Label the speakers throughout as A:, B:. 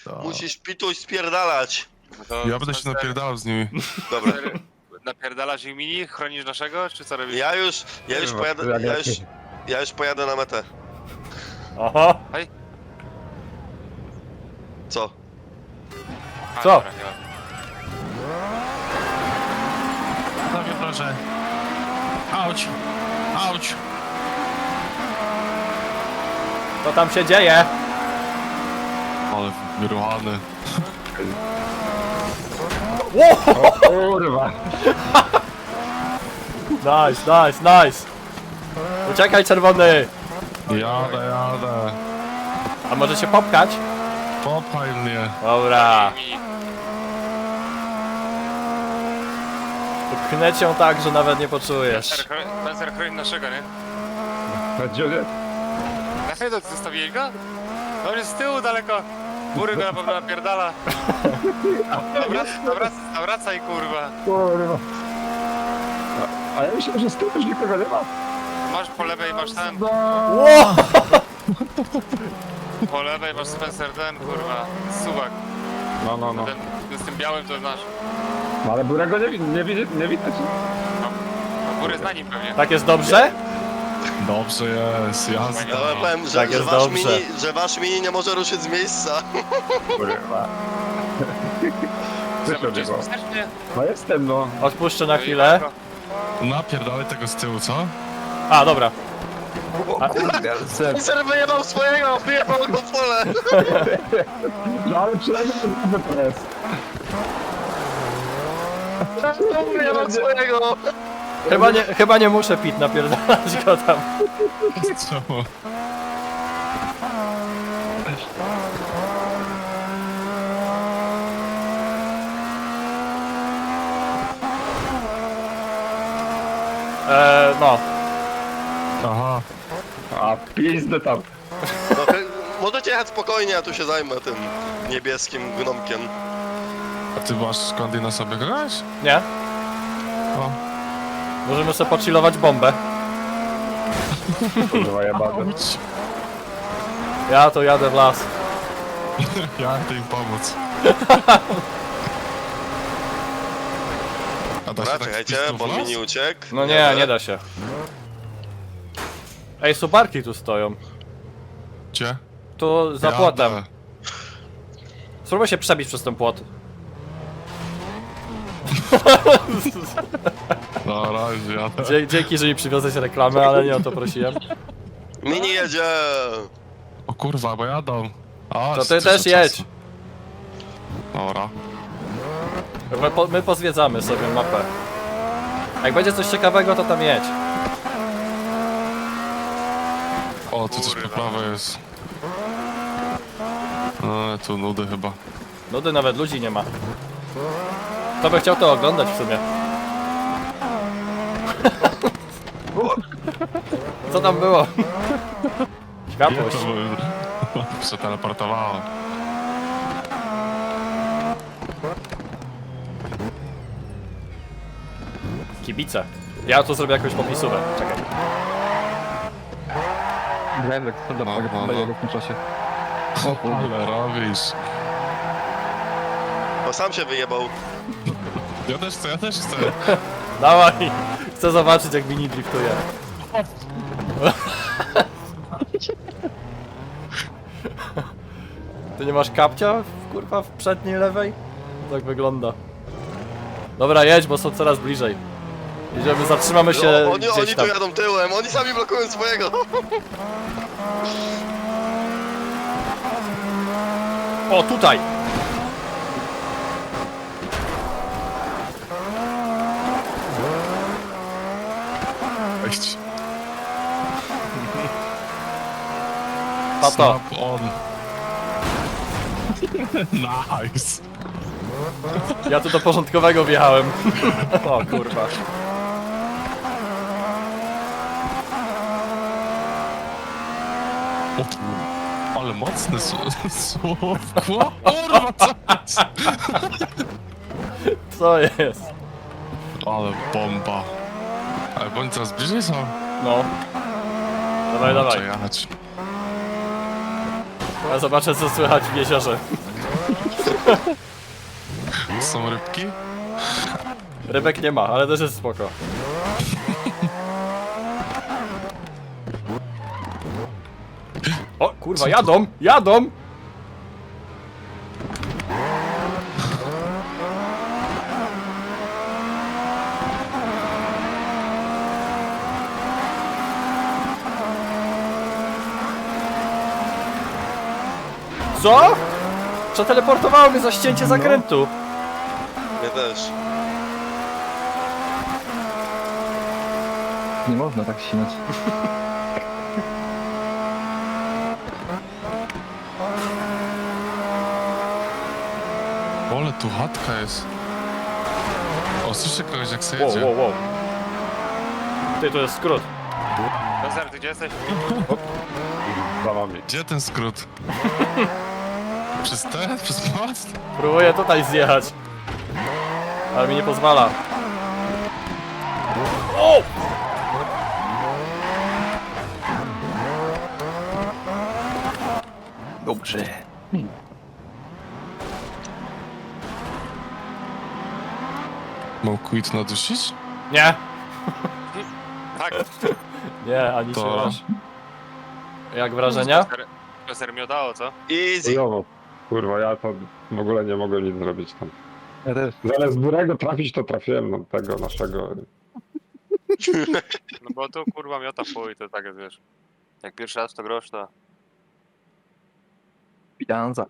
A: Musisz pituś spierdalać.
B: No
C: Ja będę się napierdalał z nimi.
A: Dobra.
B: Napierdalasz ich mini? Chronisz naszego? Czy co robisz?
A: Ja już pojadę na metę.
D: Oho!
A: Co?
B: A,
D: Co?
B: dobra, nie ma.
C: Sobie proszę. Auć. Auć.
D: Co tam się dzieje?
C: Ale wyruchany.
E: Kurwa.
D: Nice. Uciekaj, czerwony!
C: Jadę.
D: A może się popchać?
C: Popchaj mnie.
D: Dobra.
B: Mini.
D: Pchnę cię tak, że nawet nie poczujesz.
B: Spencer chroni naszego, nie?
E: Gdzie on jest?
B: Na chwilę zostawiłeś go? No on jest z tyłu daleko. Góry go na pewno napierdala. Wracaj kurwa.
E: Kurwa. A ja myślę, że z tyłu już nikogo nie ma.
B: Masz po lewej, masz ten.
D: Ło!
B: Po lewej masz Spencer ten, kurwa. Suwak.
E: No.
B: Ten z tym białym to znasz.
E: No ale Burego nie widać.
B: No, góry zna nim pewnie.
D: Tak jest dobrze?
C: Dobrze jest, jazda.
A: Ja powiem,
D: Tak jest dobrze.
A: że wasz mini nie może ruszyć z miejsca.
E: Kurwa. Słyszę
B: Gdzieś
E: go.
B: wstecznie.
E: No jestem, no.
D: Odpuszczę na chwilę.
C: Napierdalaj tego z tyłu, co?
D: A, dobra.
A: Ser wyjebał swojego, wyjebał go w pole.
E: No ale przynajmniej to jest.
A: Wyjebał swojego.
D: Chyba nie muszę pit napierdalać go tam.
C: Czemu?
D: No.
C: Aha.
E: A pizdę tam.
A: No, możecie jechać spokojnie, ja tu się zajmę tym niebieskim gnomkiem.
C: A ty masz skąd na sobie kogoś?
D: Nie?
C: O.
D: Możemy sobie pochillować bombę.
E: Kurwa jebane.
C: Auć.
D: Ja to jadę w las.
C: Ja chcę im pomóc. A da
A: Dobra,
C: się tak
A: czekajcie,
C: wpisać w
A: bo
C: las?
A: mini uciekł.
D: No nie da się. Ej, subarki tu stoją.
C: Gdzie?
D: Tu za
C: Jadę.
D: płotem. Spróbuj się przebić przez ten płot.
C: No, razie jadę.
D: Dzięki, że mi przywiozłeś reklamę, ale nie o to prosiłem.
A: Mini jedzie.
C: O kurwa, bo jadą. A,
D: To ty
C: dużo
D: też jedź.
C: czasu. Dobra.
D: My pozwiedzamy sobie mapę. Jak będzie coś ciekawego, to tam jedź.
C: O, tu coś po prawej jest. No, tu nudy chyba.
D: Nudy, nawet ludzi nie ma. Kto by chciał to oglądać w sumie? Co tam było? Światłość.
C: Przeteleportowało.
D: Kibice. Ja tu zrobię jakąś popisówę. Czekaj.
E: Grałem tak
C: no.
E: w tym czasie.
C: Ale robisz.
A: Bo sam się wyjebał.
C: Ja też chcę.
D: Dawaj! Chcę zobaczyć, jak mini driftuje. Ty nie masz kapcia, kurwa, w przedniej lewej? Tak wygląda. Dobra, jedź, bo są coraz bliżej. Jedziemy, zatrzymamy się
A: No, oni
D: gdzieś
A: tu
D: tam.
A: jadą tyłem, oni sami blokują swojego.
D: O, tutaj!
C: Cześć.
D: Tato.
C: Snap on. Nice.
D: Ja tu do porządkowego wjechałem. O kurwa.
C: O, ale mocne słówko. Kurwa, co jest?
D: Co jest?
C: Ale bomba. Ale bądź coraz bliżej są.
D: No. Dawaj, dawaj.
C: Jechać.
D: Ja zobaczę, co słychać w jeziorze.
C: Są rybki?
D: Rybek nie ma, ale też jest spoko. O kurwa, jadą! Jadą! Co? Przeteleportowało mnie za ścięcie zakrętu.
A: Mnie też.
E: Nie można tak ścinać.
C: Ole, tu chatka jest. O, słyszę kogoś jak se
D: Wow,
C: jedzie.
D: wow, wow. Ty, to jest skrót.
B: Bezar, ty gdzie jesteś?
E: Za wami.
C: Gdzie ten skrót? Przez te? Przez most?
D: Próbuję tutaj zjechać. Ale mi nie pozwala. O!
E: Dobrze.
C: Mam quit nadusić?
D: Nie!
B: Tak.
D: Nie, ani
C: To-
D: się raz. Jak wrażenia?
B: Bezar mi oddało, co?
A: Easy.
F: Chujowo. Kurwa, ja to w ogóle nie mogłem nic zrobić tam.
E: Ja też.
F: Zamiast Burego trafić, to trafiłem no, tego naszego.
B: No bo tu kurwa miota w chuj, to tak jest, wiesz. Jak pierwszy raz to grosz, to...
E: Pijanza.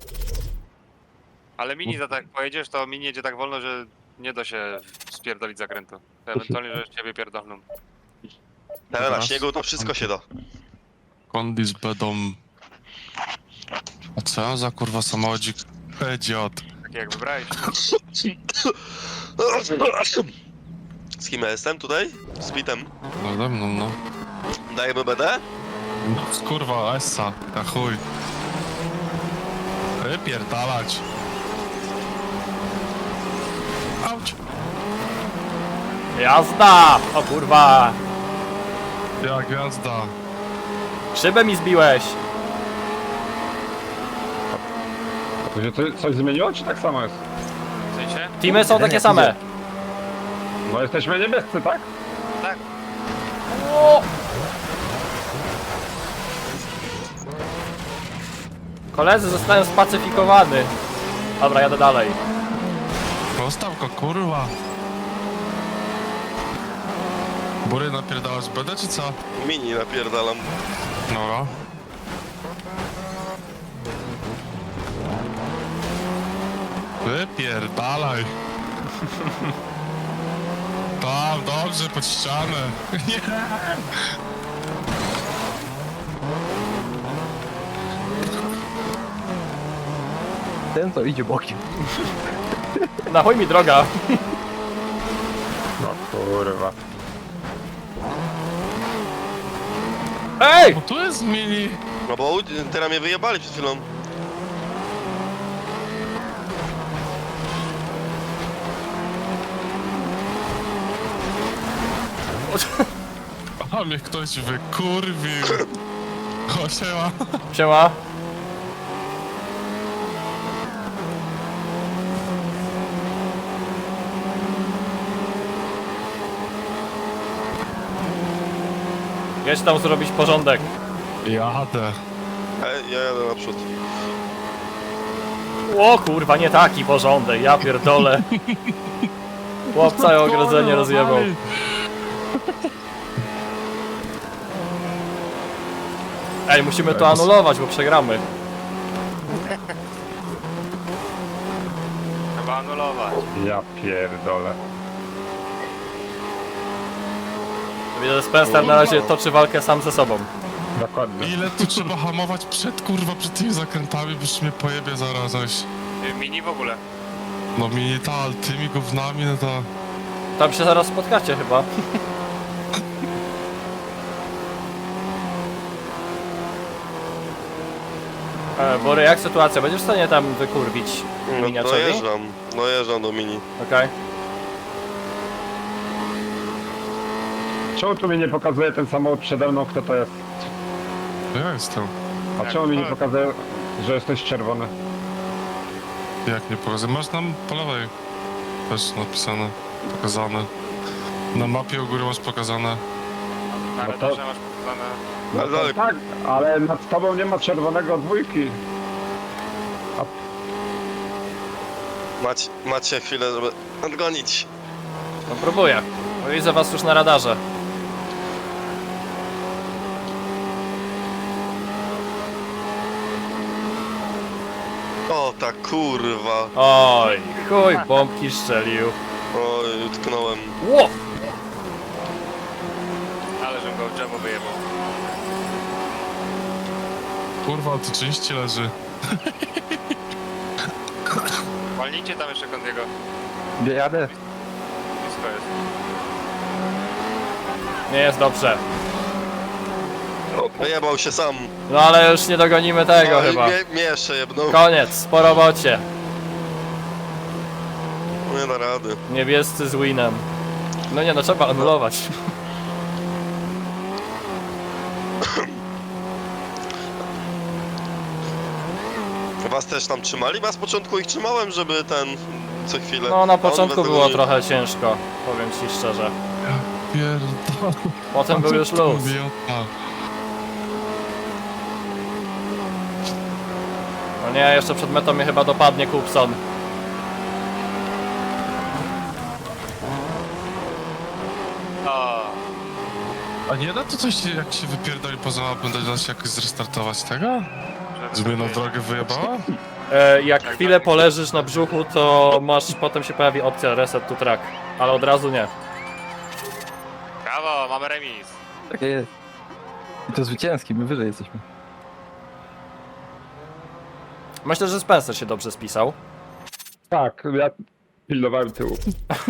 B: Ale mini za tak pojedziesz, to mini jedzie tak wolno, że nie da się spierdolić zakrętu. To ewentualnie, że ciebie pierdolną.
A: Tak, na śniegu to wszystko się da.
C: Kondis będą... A co ja za kurwa samochodzik? Idiot.
B: Takie jak wybrałeś.
A: Z kim ja jestem tutaj? Z Pitem.
C: Nade mną, no.
A: Dajemy BD?
C: Kurwa, Essa, na chuj. Wypierdalać. Auć.
D: Jazda! O kurwa!
C: Ja gwiazda.
D: Szybę mi zbiłeś!
F: To się coś zmieniło, czy tak samo jest?
B: W sensie?
D: Teamy są takie same.
F: No jesteśmy niebiescy, tak?
B: Tak.
D: O! Koledzy zostają spacyfikowani. Dobra, jadę dalej.
C: Zostaw go, kurwa. Bury napierdalasz BD, czy co?
A: Mini napierdalam.
C: Dobra. Wypierdalaj. Tam, dobrze, pod ścianę. Nie.
E: Ten co idzie bokiem.
D: Na chuj mi droga.
F: No kurwa.
D: Ej!
C: O, tu jest mini.
A: No bo teraz mnie wyjebali przed chwilą.
C: A mnie ktoś wykurwił. O, siema.
D: Siema. Jedź tam zrobić porządek.
C: Jadę.
A: Ja jadę naprzód.
D: O kurwa, nie taki porządek, ja pierdolę. Chłop całe ogrodzenie rozjebał. Ej, musimy to anulować, bo przegramy.
B: Trzeba anulować.
F: Ja pierdolę.
D: Widzę, że Spencer na razie toczy walkę sam ze sobą.
F: Dokładnie.
C: Ile tu trzeba hamować przed tymi zakrętami, bo już mnie pojebie zaraz.
B: Mini w ogóle.
C: No mini ta, ale tymi gównami, no to...
D: Tam się zaraz spotkacie chyba. Bory, jak sytuacja? Będziesz w stanie tam wykurwić
A: No
D: miniaczowi?
A: dojeżdżam do mini.
D: Okej.
F: Czemu tu mi nie pokazuje ten samochód przede mną, kto to jest?
C: Ja jestem.
F: A
B: Tak,
F: czemu mi nie
B: tak.
F: pokazuje, że jesteś czerwony?
C: Jak nie pokazane? Masz tam po lewej też napisane, pokazane. Na mapie u góry masz pokazane.
B: Na
F: No to-
B: radarze masz pokazane.
F: No
A: Ale
F: to
A: dalej.
F: tak, ale nad tobą nie ma czerwonego dwójki.
A: Macie chwilę, żeby odgonić.
D: No próbuję. No, widzę was już na radarze.
A: O, ta kurwa.
D: Oj, chuj, bombki strzelił.
A: Oj, utknąłem.
D: Ło!
B: Ale żebym go w drzewo wyjebał.
C: Kurwa, to części leży.
B: Walnijcie tam jeszcze Kondiego.
E: Gdzie jadę?
B: Blisko jest.
D: Nie jest dobrze.
A: Wyjebał się sam.
D: No ale już nie dogonimy tego
A: Oj,
D: chyba.
A: mnie jeszcze jebnął.
D: Koniec, po robocie.
A: Nie da rady.
D: Niebiescy z winem. No nie, no trzeba anulować.
A: Was też tam trzymali? Bo ja z początku ich trzymałem, żeby ten... co chwilę.
D: No na
A: A on
D: początku
A: bez tego
D: było
A: nie-
D: trochę ciężko, powiem ci szczerze.
C: Pierdol.
D: Potem był już luz. No nie, jeszcze przed metą mnie chyba dopadnie Kupson.
B: O,
C: A nie da to coś, jak się wypierdoli poza mapą, da się jakoś zrestartować tego? Żeby na drogę wyjebała?
D: Jak chwilę poleżysz na brzuchu, to masz, potem się pojawi opcja reset to track. Ale od razu nie.
B: brawo, mamy remis.
E: Takie jest. I to zwycięski, my wyżej jesteśmy.
D: Myślę, że Spencer się dobrze spisał.
F: Tak, ja pilnowałem tyłu.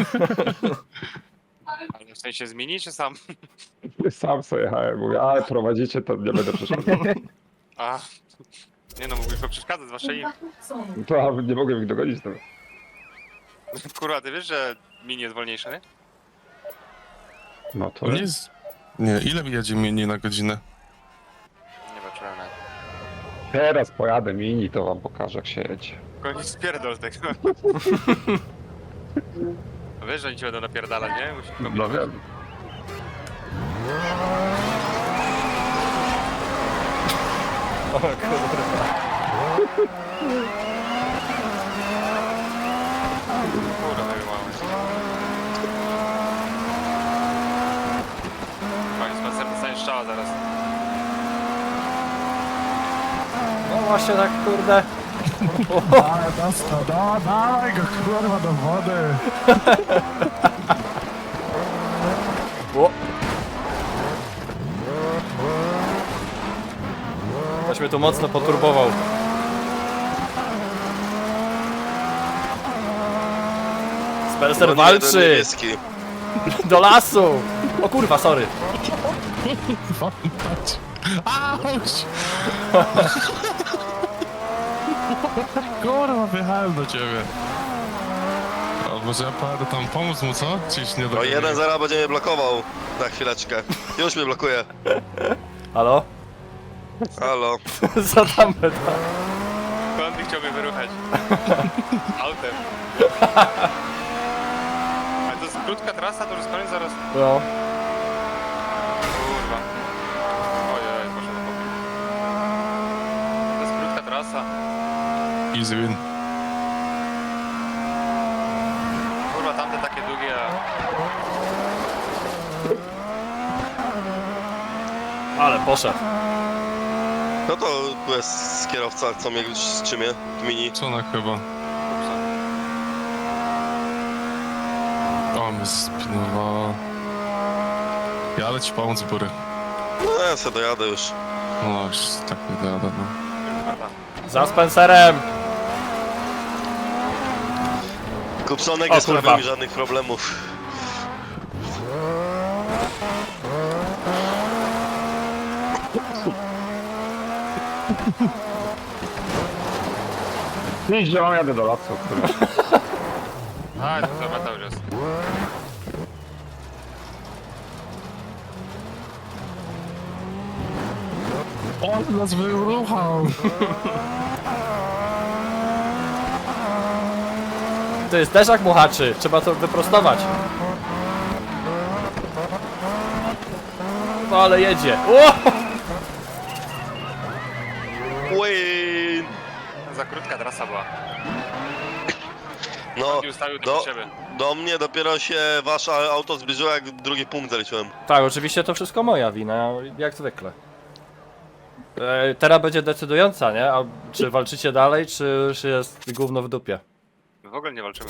B: Ale w sensie zmieni czy sam?
F: Sam sobie jechałem, mówię, ale prowadzicie, to nie będę przeszkadzał.
B: A, nie no, mógłbyś go przeszkadzać, zwłaszcza im.
F: To nie mogłem ich dogonić teraz.
B: Kurwa, ty wiesz, że mini jest wolniejszy, nie?
F: No to
C: To nie jest... Nie, ile jedzie mini na godzinę?
B: Nie patrzyłem na.
F: teraz pojadę mini, to wam pokażę jak się jedzie.
B: Koniec spierdol tego. No wiesz, że oni ci będą napierdalać, nie? Musisz
F: No
B: kombinować.
F: wiem.
D: O kurwa.
B: Kurwa, wyjebałem się. Koniec, Spencer, dostaniesz strzała zaraz.
D: No właśnie tak kurde.
C: Dawaj go kurwa do wody!
D: O. Ktoś mnie tu mocno poturbował. Spencer
A: Goni jeden
D: walczy!
A: niebieski.
D: Do lasu! O kurwa, sorry.
C: Patrz! Auć! Kurwa, wjechałem do ciebie. A może ja pojadę tam pomóc mu, co? Czy już nie
A: O,
C: dogaduje?
A: 1-0 będzie mnie blokował. Na chwileczkę. Już mnie blokuje.
D: Halo?
A: Halo.
D: Co tam będę?
B: Kondy chciał mnie wyruchać. Autem. Ale to jest krótka trasa, to już jest koniec zaraz.
D: No.
B: Kurwa. Ojej, poszedł do boku. To jest krótka trasa.
C: Easy win.
B: Kurwa, tamte takie długie, a...
D: Ale poszedł.
A: No to tu jest kierowca, co mnie strzymie w mini.
C: Czona chyba. O, mnie spinowała. Jadę ci pomóc, Bury.
A: No ja se dojadę już.
C: No, już tak nie dojadę, no.
D: Za Spencerem!
A: Kupsonek
D: O,
A: nie
D: kurwa.
A: sprawił mi żadnych problemów.
F: Idź, że mam jadę do lasu. kurwa.
B: A, to meta już jest.
C: On nas wyruchał!
D: To jest zderzak muchaczy, trzeba to wyprostować. No ale jedzie. O!
A: Win!
B: Za krótka trasa była.
A: No,
B: I ustawił do siebie.
A: do mnie dopiero się wasze auto zbliżyło, jak drugi punkt zaliczyłem.
D: Tak, oczywiście to wszystko moja wina, jak zwykle. Teraz będzie decydująca, nie? A czy walczycie dalej, czy już jest gówno w dupie?
B: W ogóle nie walczymy.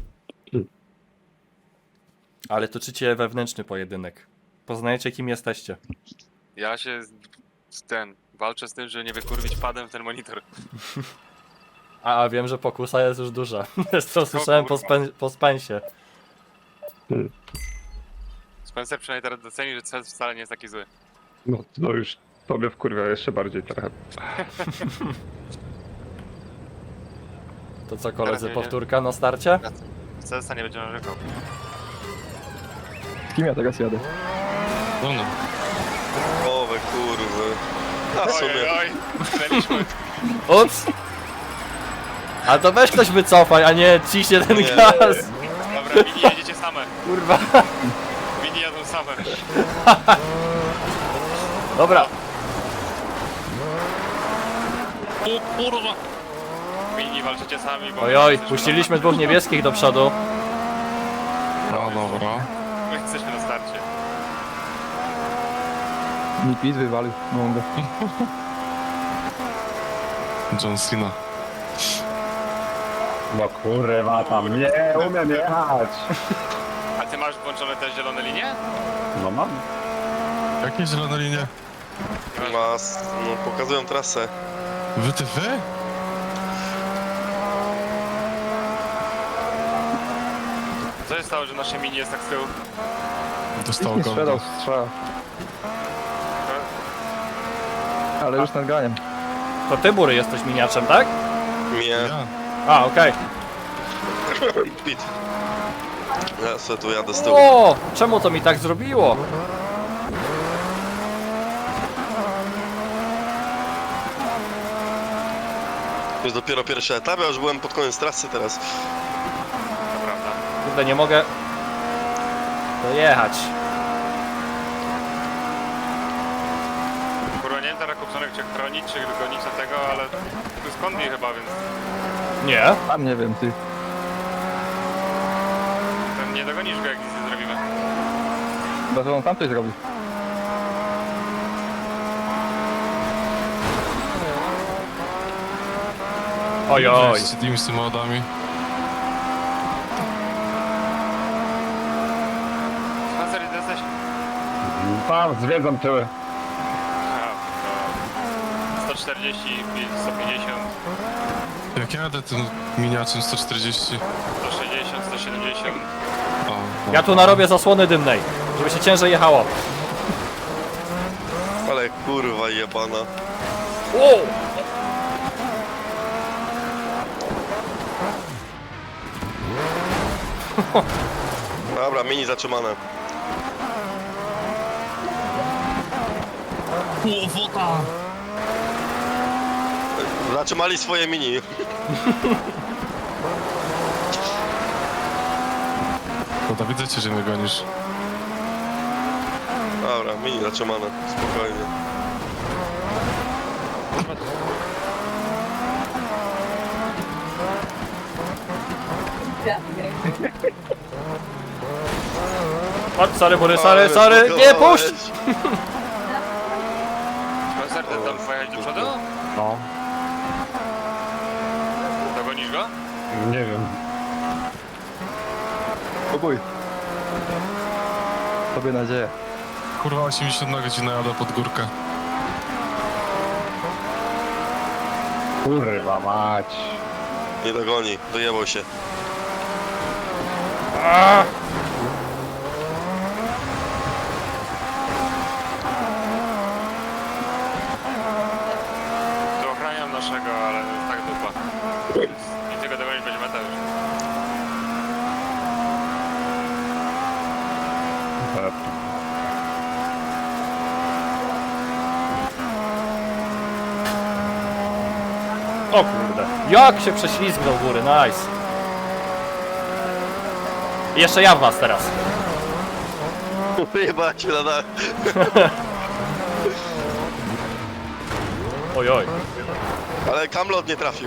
D: Ale toczycie wewnętrzny pojedynek. Poznajecie, kim jesteście.
B: Ja się walczę z tym, że nie wykurwić padem w ten monitor.
D: A wiem, że pokusa jest już duża. To słyszałem po Spensie.
B: Spencer przynajmniej teraz doceni, że cel wcale nie jest taki zły.
F: No, to już tobie wkurwia jeszcze bardziej trochę.
D: To co, koledzy,
B: Teraz
D: powtórka na starcie?
B: Celsa nie będzie narzekał.
E: Z kim ja teraz jadę?
C: No, no.
A: O, we kurwy. A w sumie.
B: Oj, stanęliśmy.
D: Ups! A to weź ktoś wycofaj, a nie ciśnie ten
A: Nie.
D: gaz!
B: Dobra, mini jedziecie same.
D: Kurwa.
B: Mini jadą same.
D: Dobra,
C: O kurwa!
B: Mini walczycie sami, bo...
D: ojoj, puściliśmy dwóch niebieskich do przodu.
C: No dobra.
B: My jesteśmy na starcie.
E: Mi pit wywalił. Mogę.
C: John Cena.
F: No kurwa, tam nie umiem jechać.
B: A ty masz włączone te zielone linie?
F: No mam.
C: Jakie zielone linie?
A: No, pokazują trasę.
C: Wy?
B: Co się stało, że nasze mini jest tak z tyłu?
C: Dostał
E: Nie
C: go.
E: sprzedał strzała. Ale już nad ganiem.
D: To ty, Bury, jesteś miniaczem, tak?
A: Mnie.
C: Ja.
D: A, okej.
A: Pit. Ja sobie tu jadę z tyłu.
D: O, czemu to mi tak zrobiło?
A: To jest dopiero pierwszy etap, ja już byłem pod koniec trasy teraz.
B: To prawda.
D: Kurde, nie mogę dojechać.
B: Kurwa, nie wiem teraz Kupsonek czy chronić, czy gonić na tego, ale tu jest konwi chyba, więc
D: Nie?
E: Tam nie wiem, ty.
B: ten nie dogonisz go, jak nic nie zrobimy.
E: Chyba, że on tam coś zrobi.
D: Ojoj.
C: Z tymi samochodami.
B: Spencer, ty jesteś?
F: Tam zwiedzam tyły.
B: A, to 140, 150,
C: Jak jadę tym miniaczem 140.
B: 160, 170.
C: O, no.
D: Ja tu narobię zasłony dymnej, żeby się ciężej jechało.
A: Ale kurwa jebana.
D: O!
A: Dobra, mini zatrzymane. Zatrzymali swoje mini.
C: No to widzę cię, że mnie gonisz.
A: Dobra, mini zatrzymane. Spokojnie.
D: Chodź, sorry, Bury,
A: Ale
D: sorry, nie, puść!
B: Spencer, ty tam pojechać do przodu?
F: No.
B: Dogonisz go?
F: Nie wiem.
E: Spokój. Tobie nadzieję.
C: Kurwa, 80 na godzinę jadę pod górkę.
F: Kurwa mać.
A: Nie dogoni, wyjebał się.
B: Tu ochraniam naszego, ale to jest tak dupa. I tego dogonić będzie meta już.
D: O kurde, jak się prześlizgnął Bury, nice. Jeszcze ja w was teraz.
A: Wyjebała się na dach.
D: Oj, oj.
A: Ale Kamlot nie trafił.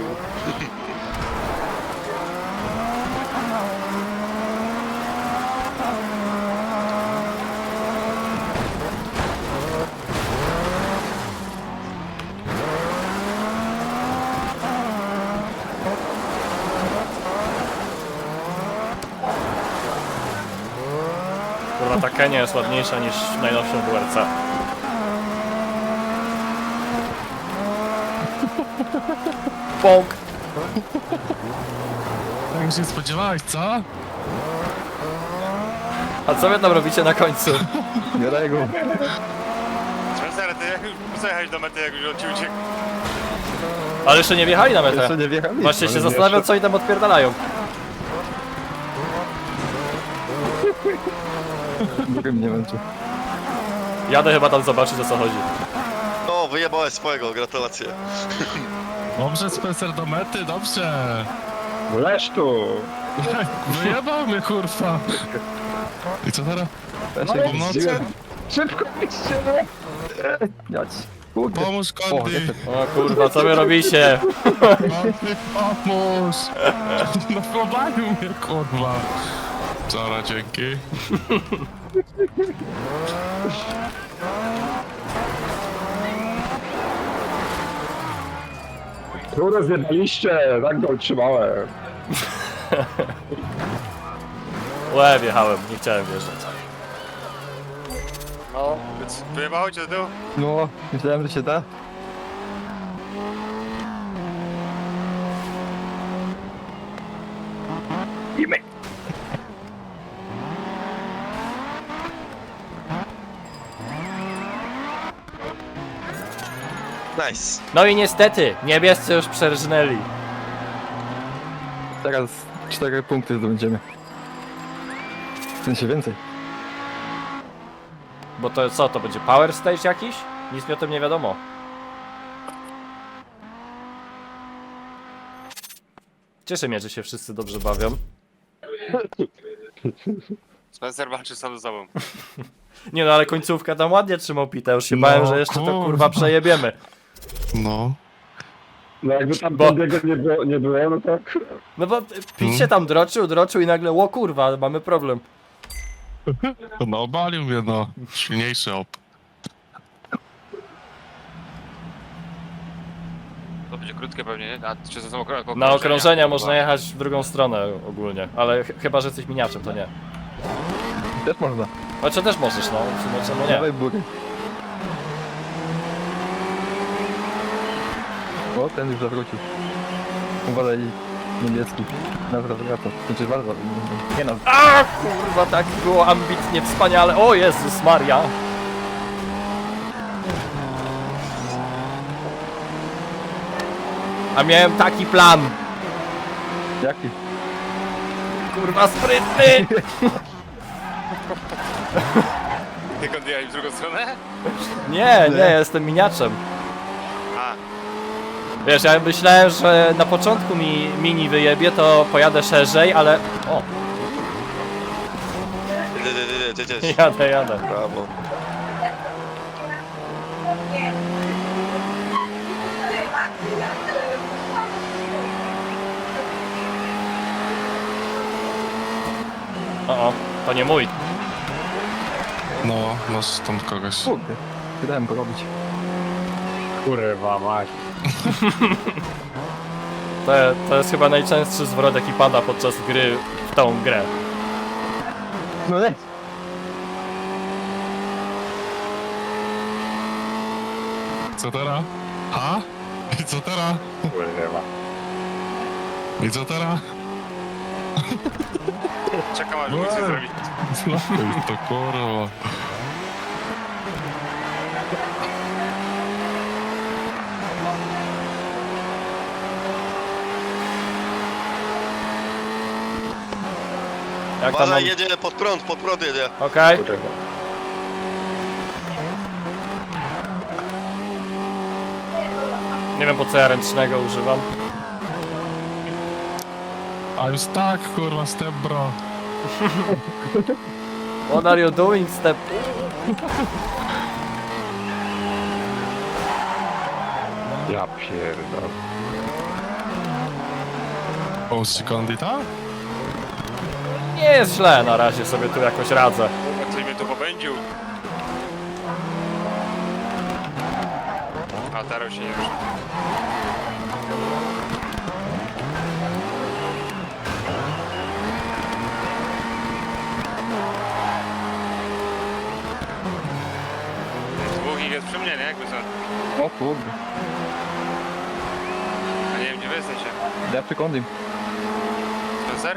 D: Kurwa, ta Kenia jest ładniejsza niż w najnowszym WRC. Pąk.
C: Tak się spodziewałeś, co?
D: A co wy tam robicie na końcu?
E: Jarego.
B: Spencer, ty jak już zajechałeś do mety, jak już od ciebie uciekł?
D: Ale jeszcze nie wjechali na metę.
E: Jeszcze nie wjechali.
D: Właśnie się zastanawiam, co oni tam odpierdalają.
E: Drugim nie męczy.
D: Jadę chyba tam zobaczyć, o co chodzi.
A: O, wyjebałeś swojego, gratulacje.
C: Dobrze, Spencer, do mety, dobrze.
F: Leż tu!
C: Wyjebał mnie, kurwa. I co teraz?
E: Ja
F: No
E: się
F: i
E: zdziwiłem.
F: Szybko idźcie!
E: Jać. Kurde.
C: Pomóż,
E: O,
C: Kondy.
E: jeszcze.
D: O kurwa, co wy robicie?
C: Kondy, pomóż. No pobalił mnie, kurwa. Czara, dzięki.
F: Kurde, zjebaliście! Tak go utrzymałem.
D: Łe, wjechałem, nie chciałem wjeżdżać.
B: No. Więc wyjebało cię do tyłu?
E: No, myślałem, że się da.
A: Nice.
D: No i niestety, niebiescy już przerżnęli.
E: Teraz 4 punkty zdobędziemy. W sensie więcej.
D: Bo to co, to będzie power stage jakiś? Nic mi o tym nie wiadomo. Cieszę mnie, że się wszyscy dobrze bawią.
B: Spencer walczy sam ze sobą.
D: Nie no, ale końcówka tam ładnie trzymał Pita, już się
C: No,
D: bałem, że jeszcze to
C: kurwa.
D: kurwa przejebiemy.
C: No.
F: No jakby tam
D: Bo-
F: biegu nie było, no to...
D: No bo Pit się tam droczył i nagle, o kurwa, mamy problem.
C: No, obalił mnie, no. Silniejszy op.
B: To będzie krótkie pewnie, nie? A czy to są okrążenia?
D: Na okrążenia można jechać w drugą stronę ogólnie, ale chyba, że jesteś miniaczem, to nie.
E: Też można.
D: Znaczy też możesz, no, w sumie czemu nie.
E: Dawaj bury. O, ten już zawrócił. Uważaj, niemiecki. Nawrot wraca. Znaczy bardzo. Nie no.
D: A kurwa, tak było ambitnie, wspaniale. O Jezus Maria. A miałem taki plan.
E: Jaki?
D: Kurwa, sprytny.
B: Tylko odjechać w drugą stronę?
D: Nie, nie, jestem miniaczem.
B: A,
D: Wiesz, ja myślałem, że na początku mi mini wyjebie, to pojadę szerzej, ale... O, jadę.
A: Brawo.
D: O, to nie mój.
C: No, masz tam kogoś.
E: Kurde. Wydałem go robić.
F: Kurwa mać.
D: To jest chyba najczęstszy zwrot, jaki pada podczas gry w tą grę.
E: No nie.
C: Co teraz? A? I co teraz?
F: Kurwa.
C: I co teraz?
B: czekam aż nic nie zrobi.
C: Zlapiej to, kurwa.
D: Jak tam mam...
A: Uważaj, jedzie pod prąd jedzie.
D: Okej. Nie wiem po co ja ręcznego używam.
C: A już tak, kurwa, step bro.
D: What are you doing, step?
F: Ja pierdolę.
C: Połóżcie kondita?
D: Nie jest źle, na razie sobie tu jakoś radzę.
B: Jak ktoś mnie tu popędził. A teraz się nie rusza. Dwóch ich jest przy mnie, nie? Jakby co?
E: O kurde.
B: A nie wiem, gdzie wy jesteście.
E: Ja przy kondim.
B: Spencer?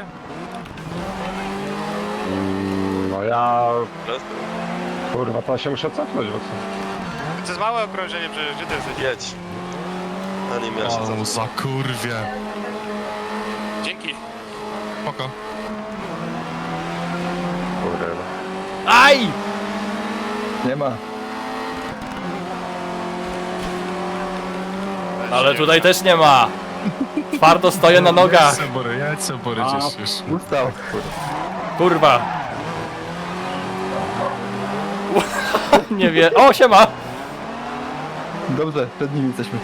F: No ja... Kurwa, to się muszę cofnąć, bo co?
B: To jest małe okrążenie przecież, gdzie ty jesteś?
A: Jedź. A nie miałem się
C: O,
A: za...
C: za kurwie.
B: Dzięki.
C: Spoko.
F: Kurwa.
D: Aj!
E: Nie ma.
D: Ale tutaj też nie ma. Twardo stoję na nogach.
C: Jedź se, Bory, gdzieś już.
E: Ustał.
D: Kurwa. Nie wie. O, siema!
E: Dobrze, przed nimi jesteśmy.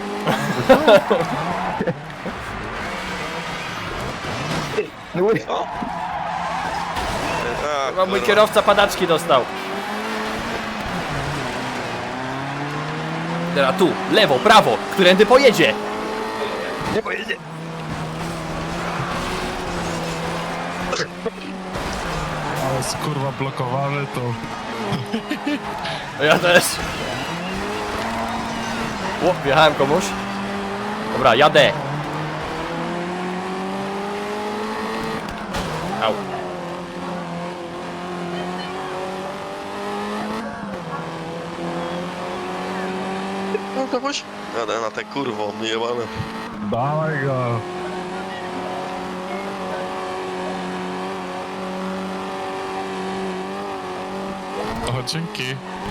E: No oj.
A: Co? A,
D: Chyba mój
A: kurwa.
D: kierowca padaczki dostał. Teraz tu, lewo, prawo, którędy pojedzie?
E: Nie pojedzie.
C: Ale jest kurwa blokowany, to...
D: Ja też. O, wjechałem komuś. Dobra, jadę. Au.
A: No kogoś? Jadę na te kurwo, myjebane.
C: Dawaj go. O, dzięki.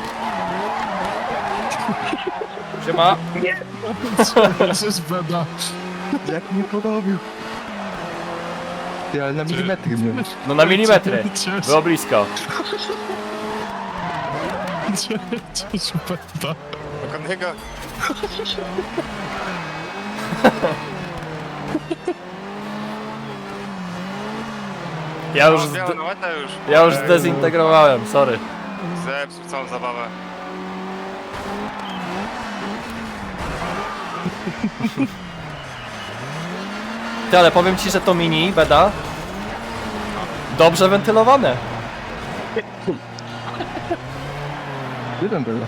D: Siema.
C: Co jest beda?
E: Jak mnie podobił. Ty, ale na milimetry mnie.
D: No na milimetry.
C: Cześć,
D: Było blisko.
C: cześć, beda.
B: Dokąd
D: Ja już,
B: Białą na łetę już.
D: ja już zdezintegrowałem, sorry.
B: Zepsuł całą zabawę.
D: Ty, ale powiem ci, że to mini, beda. Dobrze wentylowane.
E: Gdzie ten był?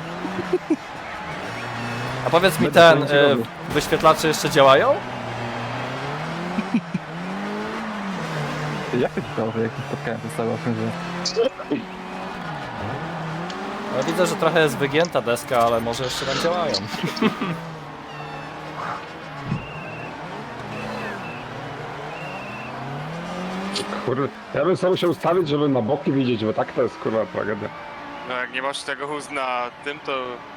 D: A powiedz mi,
E: Będę
D: ten,
E: to będzie robił.
D: wyświetlacze jeszcze działają?
E: Ty, jak to się stało, że jak nie spotkałem, to stało że...
D: No, widzę, że trochę jest wygięta deska, ale może jeszcze tam działają.
F: Kurde, ja bym sobie musiał ustawić, żeby na boki widzieć, bo tak to jest kurwa tragedia.
B: No jak nie masz tego na tym, to